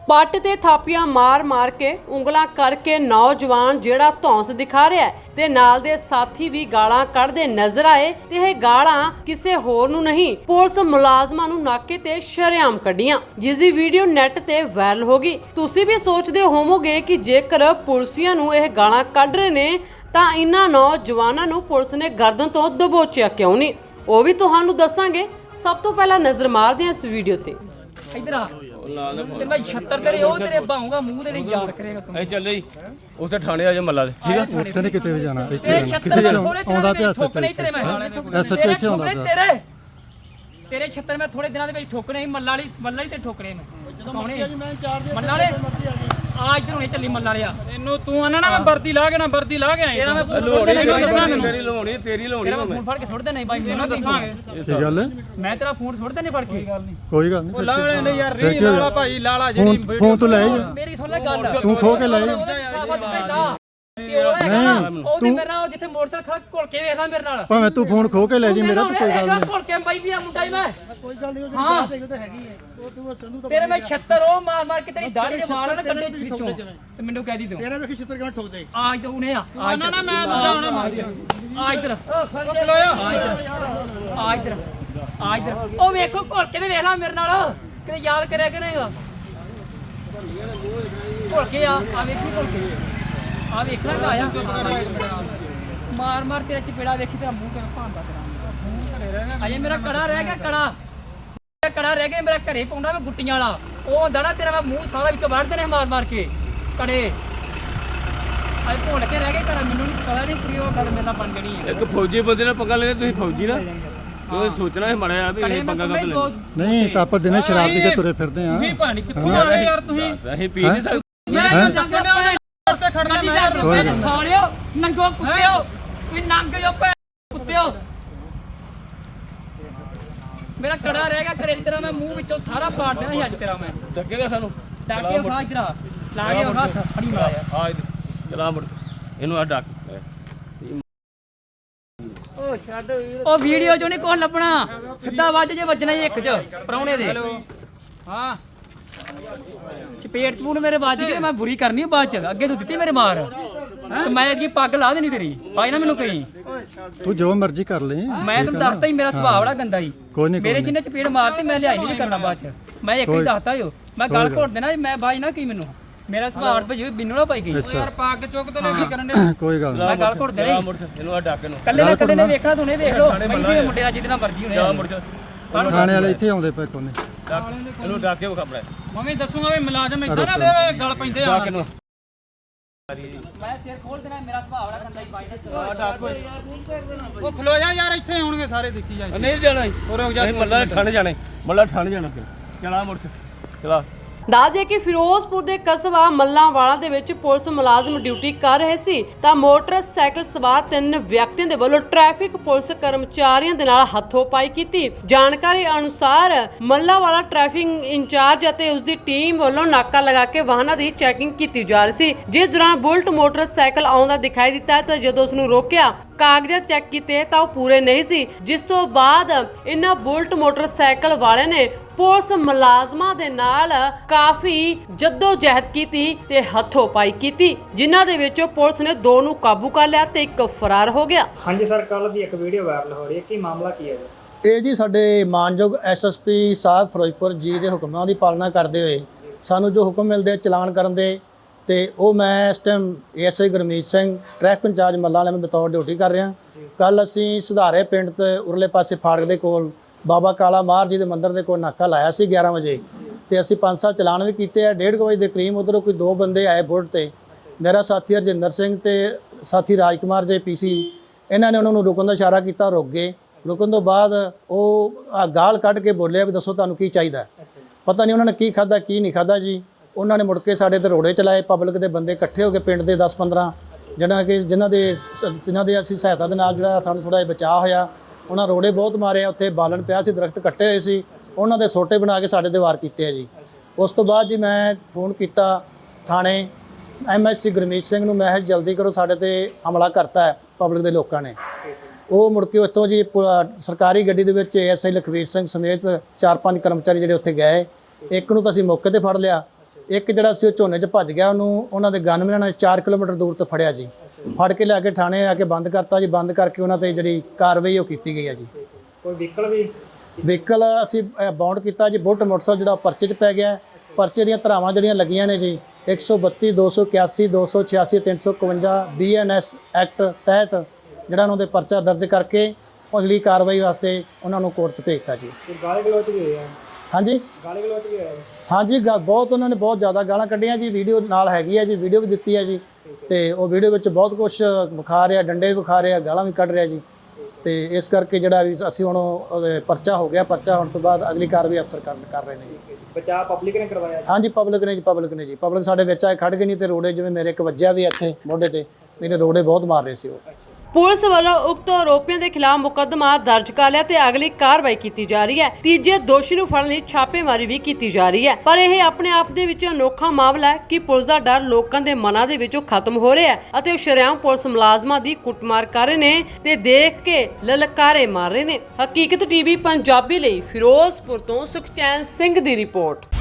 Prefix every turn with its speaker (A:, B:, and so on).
A: ਪੱਟ ਤੇ ਥਾਪੀਆਂ ਮਾਰ ਕੇ ਉਂਗਲਾਂ ਕਰਕੇ ਨੌਜਵਾਨ ਜਿਹੜਾ ਧੌਂਸ ਦਿਖਾ ਰਿਹਾ ਤੇ ਨਾਲ ਦੇ ਸਾਥੀ ਵੀ ਗਾਲਾਂ ਕੱਢਦੇ ਨਜ਼ਰ ਆਏ ਤੇ ਇਹ ਗਾਲਾਂ ਕਿਸੇ ਹੋਰ ਨੂੰ ਨਹੀਂ ਪੁਲਿਸ ਮੁਲਾਜ਼ਮਾਂ ਨੂੰ ਨਾਕੇ ਤੇ ਸ਼ਰੇਆਮ ਕੱਢੀਆਂ, ਜਿਸ ਦੀ ਵੀਡੀਓ ਨੈਟ ਤੇ ਵਾਇਰਲ ਹੋ ਗਈ। ਤੁਸੀਂ ਵੀ ਸੋਚਦੇ ਹੋਵੋਗੇ ਕਿ ਜੇਕਰ ਪੁਲਿਸੀਆਂ ਨੂੰ ਇਹ ਗਾਲਾਂ ਕੱਢ ਰਹੇ ਨੇ ਤਾਂ ਇਹਨਾਂ ਨੌਜਵਾਨਾਂ ਨੂੰ ਪੁਲਿਸ ਨੇ ਗਰਦਨ ਤੋਂ ਦਬੋਚਿਆ ਕਿਉਂ ਨਹੀਂ, ਉਹ ਵੀ ਤੁਹਾਨੂੰ ਦੱਸਾਂਗੇ। ਸਭ ਤੋਂ ਪਹਿਲਾਂ ਨਜ਼ਰ ਮਾਰਦੇ ਹਾਂ ਇਸ ਵੀਡੀਓ ਤੇ।
B: इधर आ ते मैं 76 तेरे ओ तेरे बाहूंगा मुंह ते नहीं याद करेगा तू
C: ए चल जी उसे थाने आ जा मल्ला ठीक है
D: ਉੱਥੇ ਨਹੀਂ ਕਿਤੇ ਵੀ ਜਾਣਾ ਇੱਥੇ
B: तेरे 76 में थोड़े
D: ਆਉਂਦਾ ਪਿਆ
B: ठोकने ही तेरे मैं
D: SHO ਇੱਥੇ ਆਉਂਦਾ ਪਿਆ
B: तेरे 76 में थोड़े दिनों ਦੇ ਵਿੱਚ ਠੋਕਣੇ ਹੀ ਮੱਲਾ ਹੀ ਤੇ ਠੋਕਣੇ ਮੈਂ ਕੌਣੇ ਮੱਲਾ ਵਾਲੇ ਆ ਇੱਧਰ ਹੁਣੇ ਚੱਲੀ ਮੱਲਾ ਵਾਲਿਆ
E: ਇਹਨੂੰ ਤੂੰ ਆਣਾ ਨਾ ਮੈਂ ਵਰਦੀ ਲਾ ਕੇ ਆਇਆ
B: ਤੇਰਾ ਮੈਂ
C: ਤੇਰੀ ਲਾਉਣੀ ਤੇਰੀ ਲਾਉਣੀ
B: ਤੇਰਾ ਮੈਂ ਫੋਨ ਫੜ ਕੇ ਸੁੱਟ ਦੇਣਾ ਬਾਈ ਮੈਨੂੰ ਦੱਸਾਂਗੇ
D: ਕੀ ਗੱਲ ਹੈ?
B: ਮੈਂ ਤੇਰਾ ਫੋਨ ਸੁੱਟ ਦੇਣੇ ਫੜ ਕੇ
D: ਕੋਈ ਗੱਲ ਨਹੀਂ
E: ਲਾ ਲੈ ਯਾਰ ਰੀ ਲਾਲਾ ਭਾਈ ਲਾਲਾ ਜਿਹੜੀ
D: ਫੋਨ ਤੋਂ ਲੈ ਜਾ
B: ਮੇਰੀ ਸੁਣ ਲੈ ਗੱਲ
D: ਤੂੰ ਖੋ ਕੇ ਲੈ ਜਾ
B: ਉਹਦੇ ਮੇਰੇ ਨਾਲ ਜਿੱਥੇ ਮੋਟਰਸਾਈਕਲ ਖੜਾ ਘੁਲ ਕੇ ਵੇਖ ਲੈ ਮੇਰੇ ਨਾਲ
D: ਭਾਵੇਂ ਤੂੰ ਫੋਨ ਖੋ ਕੇ ਲੈ ਜੀ ਮੇਰਾ ਤਾਂ ਕੋਈ ਗੱਲ ਨਹੀਂ
B: ਘੁਲ ਕੇ ਬਾਈ ਵੀ ਆ ਮੁੰਡਾ ਹੀ ਮੈਂ ਕੋਈ ਗੱਲ ਨਹੀਂ ਹਾਂ ਤੇਰੇ ਮੈਂ 76 ਉਹ ਮਾਰ ਕੇ ਤੇਰੀ ਦਾੜੀ ਦੇ ਵਾਲ ਨਾ ਕੱਢੇ ਵਿੱਚੋਂ ਤੇ ਮੈਨੂੰ ਕਹਿ ਦੀ ਤੂੰ
D: ਤੇਰੇ ਵੇਖੀ 76 ਕਿਵੇਂ ਠੋਕ ਦੇ
B: ਆ ਇੱਧਰ ਉਹਨੇ ਆ
E: ਨਾ ਮੈਂ ਦੂਜਾ ਹੁਣੇ ਮਾਰ ਦਿਆ
B: ਆ ਇੱਧਰ ਆ ਇੱਧਰ ਉਹ ਵੇਖੋ ਘੁਲ ਕੇ ਤੇ ਵੇਖ ਲੈ ਮੇਰੇ ਨਾਲ ਕਿਤੇ ਯਾਦ ਕਰਿਆ ਕਿ ਨਹੀਂਗਾ ਘੁਲ ਕੇ ਆ ਵੇਖੀ ਘੁਲ ਕੇ ਆ ਵੇਖਣਾ ਤਾਂ ਆਇਆ ਮਾਰ ਤੇਰਾ ਚਪੇੜਾ ਵੇਖੀ ਤੇਰਾ ਮੂੰਹ ਕਿਵੇਂ ਭਾਂਦਾ ਤੇਰਾ ਅਜੇ ਮੇਰਾ ਕੜਾ ਰਹਿ ਗਿਆ ਕੜਾ ਰਹਿ ਗਿਆ ਮੇਰਾ ਘਰੇ ਪਾਉਂਦਾ ਮੈਂ ਗੁੱਟੀਆਂ ਵਾਲਾ ਉਹ ਹੁੰਦਾ ਨਾ ਤੇਰਾ ਮੈਂ ਮੂੰਹ ਸਾਰਾ ਵਿੱਚੋਂ ਵੱਢਦੇ ਨੇ ਮਾਰ ਕੇ ਕੜੇ ਅਜੇ ਭੁੱਲ ਕੇ ਰਹਿ ਗਏ ਘਰ ਮੈਨੂੰ ਪਤਾ ਨਹੀਂ ਕਿ ਉਹ ਗੱਲ ਮੇਰੇ ਨਾਲ ਬਣ ਗਣੀ ਹੈ
C: ਇੱਕ ਫੌਜੀ ਬੰਦੇ ਨਾਲ ਪੰਗਾ ਲੈਣੇ ਤੁਸੀਂ ਫੌਜੀ ਨਾ ਤੁਸੀਂ ਸੋਚਣਾ ਹੈ ਮੜਿਆ ਵੀ ਇਹ ਪੰਗਾ ਕਦ ਲੈ
D: ਨਹੀਂ ਤਾਂ ਆਪਾਂ ਦਿਨੇ ਸ਼ਰਾਬ ਪੀ ਕੇ ਤੁਰੇ ਫਿਰਦੇ ਆ
E: ਵੀ ਪਾਣੀ ਕਿੱਥੋਂ ਆ ਗਏ ਯਾਰ ਤੁਸੀਂ
C: ਅਸੀਂ ਪੀ ਨਹੀਂ ਸਕਦੇ
E: ਮੈਂ ਤੇ ਖੜਨਾ ਮੈਂ
B: ਸਾਲਿਓ ਨੰਗੋ ਕੁੱਤਿਓ ਵੀ ਨੰਗ ਜੋ ਭੈ ਕੁੱਤਿਓ ਮੇਰਾ ਕੜਾ ਰਹਿ ਗਿਆ ਘਰੇ ਤੇਰਾ ਮੈਂ ਮੂੰਹ ਵਿੱਚੋਂ ਸਾਰਾ ਪਾੜ ਦੇਣਾ ਸੀ ਅੱਜ ਤੇਰਾ ਮੈਂ
C: ਡੱਕੇਗਾ ਸਾਨੂੰ
B: ਡਾਕੇ ਉਠਾ ਇਧਰ ਲਾ ਕੇ ਉਹ ਹੱਥ ਫੜੀ ਮਾਰਿਆ
C: ਆ ਚਲਾ ਮੁੜ ਇਹਨੂੰ ਆ ਡੱਕ
B: ਉਹ ਵੀਡੀਓ ਚੋਂ ਨਹੀਂ ਕੁਝ ਲੱਭਣਾ ਸਿੱਧਾ ਵੱਜ ਜੇ ਵੱਜਣਾ ਹੀ ਇੱਕ ਚ ਪਰੌਣੇ ਦੇ
E: ਹਾਂ
B: ਚਪੇਟ ਚਪੂਨ ਮੇਰੇ ਵੱਜ ਗਏ ਮੈਂ ਬੁਰੀ ਕਰਨੀ ਬਾਅਦ ਚ ਅੱਗੇ ਤੂੰ ਦਿੱਤੀ ਮੇਰੇ ਮਾਰ ਤੇ ਮੈਂ ਅੱਗੇ ਪੱਗ ਲਾ ਦੇਣੀ ਤੇਰੀ ਭਾਈ ਨਾ ਮੈਨੂੰ ਕਹੀਂ
D: ਤੂੰ ਜੋ ਮਰਜ਼ੀ ਕਰ ਲੈ
B: ਮੈਂ ਤੈਨੂੰ ਦੱਸਤਾ ਹੀ ਮੇਰਾ ਸੁਭਾਅ ਬੜਾ ਗੰਦਾ ਹੀ
D: ਕੋਈ ਨਹੀਂ
B: ਮੇਰੇ ਜਿੰਨੇ ਚਪੇੜ ਮਾਰਤੀ ਮੈਂ ਲਿਆਈ ਨਹੀਂ ਕਰਨਾ ਬਾਅਦ ਚ ਮੈਂ ਇੱਕ ਹੀ ਦੱਸਤਾ ਈ ਮੈਂ ਗੱਲ ਘੋਟ ਦੇਣਾ ਮੈਂ ਬਾਈ ਨਾ ਕੀ ਮੈਨੂੰ ਮੇਰਾ ਸੁਭਾਅ ਭਜੀ ਬਿੰਨੂ ਨਾ ਪਾਈ ਗਈ
E: ਯਾਰ ਪੱਗ ਚੁੱਕ ਤੇ ਕੀ ਕਰਨ ਦੇ
D: ਕੋਈ ਗੱਲ
B: ਮੈਂ ਗੱਲ ਘੋਟ ਦੇਣਾ
C: ਇਹਨੂੰ ਆ ਡੱਕ ਇਹਨੂੰ
B: ਕੱਲੇ ਨੇ ਵੇਖਣਾ ਤੂੰ ਨੇ ਵੇਖ ਲੋ ਮੈਂ ਮੁੰਡੇ ਦਾ ਜਿਹਦੇ ਨਾਲ ਮਰਜੀ ਹੋਣੇ
C: ਜਾ ਮੁੜ ਜਾ
D: ਥਾਣੇ ਵਾਲੇ ਇੱਥੇ ਆਉਂਦੇ ਪਏ ਕੋਨੇ
C: ਇਹਨੂੰ ਡੱਕ ਕੇ ਵਿਖਾ
E: ਮੰਮੀ ਦੱਸੂਗਾ ਵੀ ਮੁਲਾਜ਼ਮ ਇਦਾਂ ਨਾ ਦੇਵੇ ਗੱਲ ਪੈਂਦੇ ਆ
C: ਇਹਨੂੰ
B: ਮੈਂ ਸਿਰ ਖੋਲ ਦੇਣਾ ਮੇਰਾ ਸੁਭਾਅ ਬੜਾ ਗੰਦਾ ਹੀ ਬਾਈ ਦਾ
E: ਉਹ ਖਲੋ ਜਾ ਯਾਰ ਇੱਥੇ ਆਉਣਗੇ ਸਾਰੇ ਦੇਖੀ ਜਾ
C: ਨਹੀਂ ਜਾਣਾ ਅਸੀਂ ਮੱਲਾ ਠੰਡ ਜਾਣਾ ਚਲਾ ਮੁੜ ਚਲਾ
A: ਦੱਸ ਦਈਏ ਕਿ ਫਿਰੋਜ਼ਪੁਰ ਦੇ ਕਸਬਾ ਮੱਲਾਂਵਾਲਾ ਦੇ ਵਿੱਚ ਪੁਲਿਸ ਮੁਲਾਜ਼ਮ ਡਿਊਟੀ ਕਰ ਰਹੇ ਸੀ ਤਾਂ ਮੋਟਰਸਾਈਕਲ ਸਵਾਰ 3 ਵਿਅਕਤੀਆਂ ਦੇ ਵੱਲੋਂ ਟ੍ਰੈਫਿਕ ਪੁਲਿਸ ਕਰਮਚਾਰੀਆਂ ਦੇ ਨਾਲ ਹੱਥੋਂਪਾਈ ਕੀਤੀ। ਜਾਣਕਾਰੀ ਅਨੁਸਾਰ ਮੱਲਾਂਵਾਲਾ ਟ੍ਰੈਫਿਕ ਇੰਚਾਰਜ ਅਤੇ ਉਸ ਦੀ ਟੀਮ ਵੱਲੋਂ ਨਾਕਾ ਲਗਾ ਕੇ ਵਾਹਨਾਂ ਦੀ ਚੈਕਿੰਗ ਕੀਤੀ ਜਾ ਰਹੀ ਸੀ, ਜਿਸ ਦੌਰਾਨ ਬੁਲਟ ਮੋਟਰਸਾਈਕਲ ਆਉਂਦਾ ਦਿਖਾਈ ਦਿੱਤਾ ਤਾਂ ਜਦੋਂ ਉਸ ਨੂੰ ਰੋਕਿਆ ਕਾਗਜ਼ਾਤ ਚੈੱਕ ਕੀਤੇ ਤਾਂ ਉਹ ਪੂਰੇ ਨਹੀਂ ਸੀ, ਜਿਸ ਤੋਂ ਬਾਅਦ ਇਹਨਾਂ ਬੁਲਟ ਮੋਟਰਸਾਈਕਲ ਵਾਲਿਆਂ ਨੇ ਪੁਲਿਸ ਮੁਲਾਜ਼ਮਾਂ ਦੇ ਨਾਲ ਕਾਫੀ ਜਹਿਦ ਕੀਤੀ ਤੇ ਹੱਥੋਂਪਾਈ ਕੀਤੀ, ਜਿਨ੍ਹਾਂ ਦੇ ਵਿੱਚੋਂ ਪੁਲਿਸ ਨੇ 2 ਨੂੰ ਕਾਬੂ ਕਰ ਲਿਆ ਤੇ 1 ਫਰਾਰ ਹੋ ਗਿਆ।
F: ਹਾਂਜੀ ਸਰ, ਕੱਲ ਦੀ ਇੱਕ ਵੀਡੀਓ ਵਾਇਰਲ ਹੋ ਰਹੀ ਹੈ, ਕੀ ਮਾਮਲਾ ਕੀ ਹੈ?
G: ਇਹ ਜੀ ਸਾਡੇ ਮਾਨਯੋਗ ਐਸਐਸਪੀ ਸਾਹਿਬ ਫਿਰੋਜ਼ਪੁਰ ਜੀ ਦੇ ਹੁਕਮਾਂ ਦੀ ਪਾਲਣਾ ਕਰਦੇ ਹੋਏ ਸਾਨੂੰ ਜੋ ਹੁਕਮ ਮਿਲਦੇ ਚਲਾਨ ਕਰਨ ਦੇ ਤੇ ਉਹ ਮੈਂ ਇਸ time ASI Gurmeet Singh traffic incharge ਮੱਲਾਂ ਵਾਲੇ ਮੈਂ ਬਤੌਰ ਡਿਊਟੀ ਕਰ ਰਿਹਾ। ਕੱਲ ਅਸੀਂ ਸੁਧਾਰੇ ਪਿੰਡ ਤੇ ਉਰਲੇ ਪਾਸੇ ਫਾੜਕ ਦੇ ਕੋਲ ਬਾਬਾ ਕਾਲਾ ਮਾਰ ਜੀ ਦੇ ਮੰਦਿਰ ਦੇ ਕੋਲ ਨਾਕਾ ਲਾਇਆ ਸੀ 11 ਵਜੇ ਤੇ ਅਸੀਂ 5-7 ਚਲਾਨ ਵੀ ਕੀਤੇ ਆ। 1:30 ਵਜੇ ਦੇ ਕਰੀਬ ਉਧਰੋਂ ਕੋਈ 2 ਬੰਦੇ ਆਏ ਬੁਲਟ ਤੇ, ਮੇਰਾ ਸਾਥੀ ਹਰਜਿੰਦਰ ਸਿੰਘ ਤੇ ਸਾਥੀ ਰਾਜਕੁਮਾਰ ਜੇ ਪੀਸੀ, ਇਹਨਾਂ ਨੇ ਉਹਨਾਂ ਨੂੰ ਰੁਕਣ ਦਾ ਇਸ਼ਾਰਾ ਕੀਤਾ, ਰੁਕ ਗਏ। ਰੁਕਣ ਤੋਂ ਬਾਅਦ ਉਹ ਗਾਲ ਕੱਢ ਕੇ ਬੋਲਿਆ ਵੀ ਦੱਸੋ ਤੁਹਾਨੂੰ ਕੀ ਚਾਹੀਦਾ। ਪਤਾ ਨਹੀਂ ਉਹਨਾਂ ਨੇ ਕੀ ਖਾਦਾ ਕੀ ਨਹੀਂ ਖਾਦਾ ਜੀ। ਉਹਨਾਂ ਨੇ ਮੁੜ ਕੇ ਸਾਡੇ ਤੇ ਰੋੜੇ ਚਲਾਏ, ਪਬਲਿਕ ਦੇ ਬੰਦੇ ਇਕੱਠੇ ਹੋ ਕੇ ਪਿੰਡ ਦੇ 10-15 ਜਿਨ੍ਹਾਂ ਦੇ ਅਸੀਂ ਸਹਾਇਤਾ ਦੇ ਨਾਲ ਜਿਹੜਾ ਸਾਨੂੰ ਥੋੜ੍ਹਾ ਜਿਹਾ ਬਚਾਅ ਹੋਇਆ। ਉਹਨਾਂ ਰੋੜੇ ਬਹੁਤ ਮਾਰੇ, ਉੱਥੇ ਬਾਲਣ ਪਿਆ ਸੀ, ਦਰਖਤ ਕੱਟੇ ਹੋਏ ਸੀ, ਉਹਨਾਂ ਦੇ ਸੋਟੇ ਬਣਾ ਕੇ ਸਾਡੇ ਤੇ ਵਾਰ ਕੀਤੇ ਆ ਜੀ। ਉਸ ਤੋਂ ਬਾਅਦ ਜੀ ਮੈਂ ਫੋਨ ਕੀਤਾ ਥਾਣੇ ਐਮਐਸਸੀ ਗੁਰਮੀਤ ਸਿੰਘ ਨੂੰ, ਮੈਂ ਜਲਦੀ ਕਰੋ ਸਾਡੇ ਤੇ ਹਮਲਾ ਕਰਤਾ ਹੈ ਪਬਲਿਕ ਦੇ ਲੋਕਾਂ ਨੇ। ਉਹ ਮੁੜ ਕੇ ਉੱਥੋਂ ਜੀ ਸਰਕਾਰੀ ਗੱਡੀ ਦੇ ਵਿੱਚ ਏਐਸਆਈ ਲਖਵੀਰ ਸਿੰਘ ਸਮੇਤ 4-5 ਕਰਮਚਾਰੀ ਜਿਹੜੇ ਉੱਥੇ ਗਏ। ਇੱਕ ਨੂੰ ਤਾਂ ਅਸੀਂ ਮੌਕੇ ਤੇ ਫੜ ਲਿਆ ਇੱਕ ਜਿਹੜਾ ਸੀ ਉਹ ਝੋਨੇ 'ਚ ਭੱਜ ਗਿਆ, ਉਹਨੂੰ ਉਹਨਾਂ ਦੇ ਗਨਮੈਨਾਂ ਨੇ 4 ਕਿਲੋਮੀਟਰ ਦੂਰ ਤੋਂ ਫੜਿਆ ਜੀ। ਫੜ ਕੇ ਲਿਆ ਕੇ ਥਾਣੇ ਆ ਕੇ ਬੰਦ ਕਰਤਾ ਜੀ। ਬੰਦ ਕਰਕੇ ਉਹਨਾਂ ਤੇ ਜਿਹੜੀ ਕਾਰਵਾਈ ਉਹ ਕੀਤੀ ਗਈ ਹੈ ਜੀ।
F: ਕੋਈ ਵਹੀਕਲ ਵੀ
G: ਵਹੀਕਲ ਅਸੀਂ ਬਾਉਂਡ ਕੀਤਾ ਜੀ। ਬੁੱਟ ਮੋਟਰਸਾਈਕਲ ਜਿਹੜਾ ਪਰਚੇ 'ਚ ਪੈ ਗਿਆ। ਪਰਚੇ ਦੀਆਂ ਧਾਰਾਵਾਂ ਜਿਹੜੀਆਂ ਲੱਗੀਆਂ ਨੇ ਜੀ 132 281 286 351 BNS ਐਕਟ ਤਹਿਤ ਜਿਹੜਾ ਉਹਨਾਂ ਦੇ ਪਰਚਾ ਦਰਜ ਕਰਕੇ ਅਗਲੀ ਕਾਰਵਾਈ ਵਾਸਤੇ ਉਹਨਾਂ ਨੂੰ ਕੋਰਟ 'ਚ ਭੇਜਤਾ ਜੀ।
F: ਕੋਈ ਗਾਲੀ ਗਲੋਚ ਵੀ ਹੋਇਆ?
G: ਹਾਂਜੀ
F: ਗਾਲੀ ਗਲੋਚ ਵੀ ਹੋਇਆ?
G: ਹਾਂਜੀ ਬਹੁਤ ਉਹਨਾਂ ਨੇ ਬਹੁਤ ਜ਼ਿਆਦਾ ਗਾਲਾਂ ਕੱਢੀਆਂ ਜੀ। ਵੀਡੀਓ ਨਾਲ ਹੈਗੀ ਹੈ ਜੀ, ਵੀਡੀਓ ਵੀ ਦਿੱਤੀ ਹੈ ਜੀ। ਤੇ ਉਹ ਵੀਡੀਓ ਵਿੱਚ ਬਹੁਤ ਕੁਝ ਵਿਖਾ ਰਿਹਾ, ਡੰਡੇ ਵੀ ਵਿਖਾ ਰਿਹਾ, ਗਾਲਾਂ ਵੀ ਕੱਢ ਰਿਹਾ ਜੀ। ਤੇ ਇਸ ਕਰਕੇ ਜਿਹੜਾ ਵੀ ਅਸੀਂ ਹੁਣ ਉਹਦੇ ਪਰਚਾ ਹੋ ਗਿਆ। ਪਰਚਾ ਹੋਣ ਤੋਂ ਬਾਅਦ ਅਗਲੀ ਕਾਰਵਾਈ ਅਫਸਰ ਕਰ ਰਹੇ ਨੇ ਜੀ।
F: ਬਚਾਅ ਪਬਲਿਕ ਨੇ ਕਰਵਾਇਆ?
G: ਹਾਂਜੀ ਪਬਲਿਕ ਨੇ ਜੀ। ਪਬਲਿਕ ਸਾਡੇ ਵਿੱਚ ਆਏ ਖੜ ਗਏ, ਨਹੀਂ ਤੇ ਰੋੜੇ ਜਿਵੇਂ ਮੇਰੇ ਇੱਕ ਵੱਜਿਆ ਵੀ ਇੱਥੇ ਮੋਢੇ ਤੇ, ਨਹੀਂ ਤੇ ਰੋੜੇ ਬਹੁਤ ਮਾਰ ਰਹੇ ਸੀ ਉਹ।
A: ਪੁਲਿਸ ਵੱਲੋਂ ਉਕਤ ਆਰੋਪੀਆਂ ਦੇ ਖਿਲਾਫ ਮੁਕੱਦਮਾ ਦਰਜ ਕਰ ਲਿਆ ਤੇ ਅਗਲੀ ਕਾਰਵਾਈ ਕੀਤੀ ਜਾ ਰਹੀ ਹੈ। ਤੀਜੇ ਦੋਸ਼ੀ ਨੂੰ ਫੜਨ ਲਈ ਛਾਪੇਮਾਰੀ ਵੀ ਕੀਤੀ ਜਾ ਰਹੀ ਹੈ। ਪਰ ਇਹ ਆਪਣੇ ਆਪ ਦੇ ਵਿੱਚ ਅਨੋਖਾ ਮਾਮਲਾ ਹੈ ਕਿ ਪੁਲਿਸ ਦਾ ਡਰ ਲੋਕਾਂ ਦੇ ਮਨਾਂ ਦੇ ਵਿੱਚੋਂ ਖਤਮ ਹੋ ਰਿਹਾ ਹੈ ਅਤੇ ਉਹ ਸ਼ਰੇਆਮ ਪੁਲਿਸ ਮੁਲਾਜ਼ਮਾਂ ਦੀ ਕੁੱਟਮਾਰ ਕਰ ਰਹੇ ਨੇ ਤੇ ਦੇਖ ਕੇ ਲਲਕਾਰੇ ਮਾਰ ਰਹੇ ਨੇ। ਹਕੀਕਤ ਟੀਵੀ ਪੰਜਾਬੀ ਲਈ ਫਿਰੋਜ਼ਪੁਰ ਤੋਂ ਸੁਖਚੈਨ ਸਿੰਘ ਦੀ ਰਿਪੋਰਟ।